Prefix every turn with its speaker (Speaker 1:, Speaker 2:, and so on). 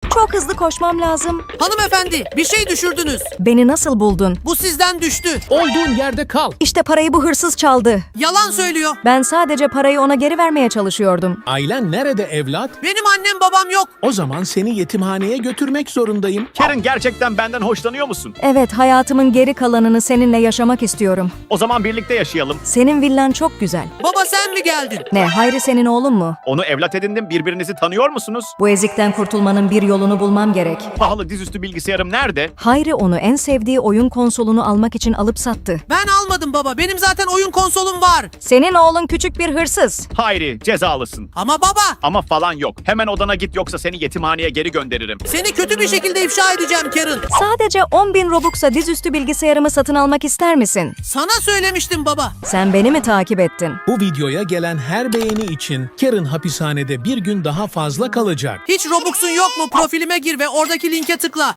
Speaker 1: Çok hızlı koşmam lazım.
Speaker 2: Hanımefendi, bir şey düşürdünüz.
Speaker 1: Beni nasıl buldun?
Speaker 2: Bu sizden düştü.
Speaker 3: Olduğun yerde kal.
Speaker 1: İşte parayı bu hırsız çaldı.
Speaker 2: Yalan söylüyor.
Speaker 1: Ben sadece parayı ona geri vermeye çalışıyordum.
Speaker 3: Ailen nerede evlat?
Speaker 2: Benim annem babam yok.
Speaker 3: O zaman seni yetimhaneye götürmek zorundayım.
Speaker 4: Karen, gerçekten benden hoşlanıyor musun?
Speaker 1: Evet, hayatımın geri kalanını seninle yaşamak istiyorum.
Speaker 4: O zaman birlikte yaşayalım.
Speaker 1: Senin villan çok güzel.
Speaker 2: Baba sen mi geldin?
Speaker 1: Ne, Hayri senin oğlun mu?
Speaker 4: Onu evlat edindim, birbirinizi tanıyor musunuz?
Speaker 1: Bu ezikten kurtulmanın bir yolunu bulmam gerek.
Speaker 4: Pahalı dizüstü bilgisayarım nerede?
Speaker 1: Hayri onu en sevdiği oyun konsolunu almak için alıp sattı.
Speaker 2: Ben almadım baba. Benim zaten oyun konsolum var.
Speaker 1: Senin oğlun küçük bir hırsız.
Speaker 4: Hayri, cezalısın.
Speaker 2: Ama baba,
Speaker 4: Ama falan yok. Hemen odana git, yoksa seni yetimhaneye geri gönderirim.
Speaker 2: seni kötü bir şekilde ifşa edeceğim Karen.
Speaker 1: Sadece 10.000 Robux'a dizüstü bilgisayarımı satın almak ister misin?
Speaker 2: Sana söylemiştim baba.
Speaker 1: Sen beni mi takip ettin?
Speaker 3: Bu videoya gelen her beğeni için Karen hapishanede bir gün daha fazla kalacak.
Speaker 2: Hiç Robux'un yok mu? Profilime gir ve oradaki linke tıkla.